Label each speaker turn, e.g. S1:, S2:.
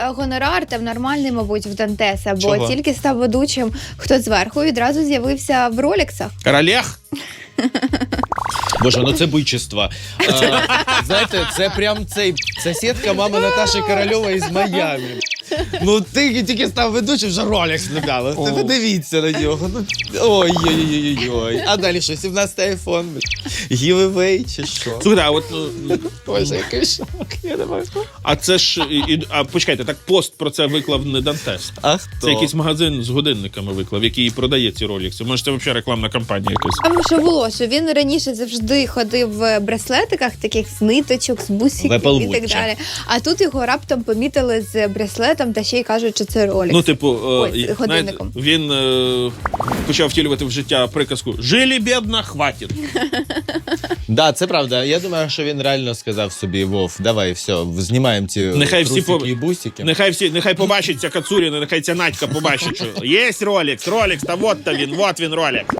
S1: гонорар там нормальний, мабуть, в Дантеса, бо
S2: Чого?
S1: тільки став ведучим «Хто зверху» відразу з'явився в роліксах.
S3: Королех?
S2: Боже, ну це буйчество. Знаєте, це прям цей сусідка мами Наташі Корольової з Майамі. Ну ти тільки став ведучим, вже Rolex вдали. Ти подивіться на нього. Ну, ой-ой-ой-ой. А далі що, 17-й айфон? Giveaway чи що?
S3: Слухайте, а от...
S2: Боже, який шок. Я не можу.
S3: А це ж... А почекайте, так пост про це виклав не Дантес.
S2: А хто?
S3: Це якийсь магазин з годинниками виклав, який продає ці ролікси. Може, це взагалі рекламна кампанія якась.
S1: А що було, що він раніше завжди ходив в браслетиках, таких з ниточок, з бусиків
S2: Apple
S1: і
S2: Watch.
S1: так далі. А тут його раптом помітили з браслетом, та ще й кажуть, що це ролик.
S3: Ну, типу,
S1: Ой,
S3: знаєте,
S1: годинником.
S3: він почав втілювати в життя приказку «Жили, бідно, хватить».
S2: Да, це правда. Я думаю, що він реально сказав собі: Вов, давай, все, знімаємо ці
S3: Нехай всі
S2: трусики і бусики.
S3: Нехай побачить ця Кацуріна, нехай ця Надька побачить, що є Rolex, та вот він Rolex.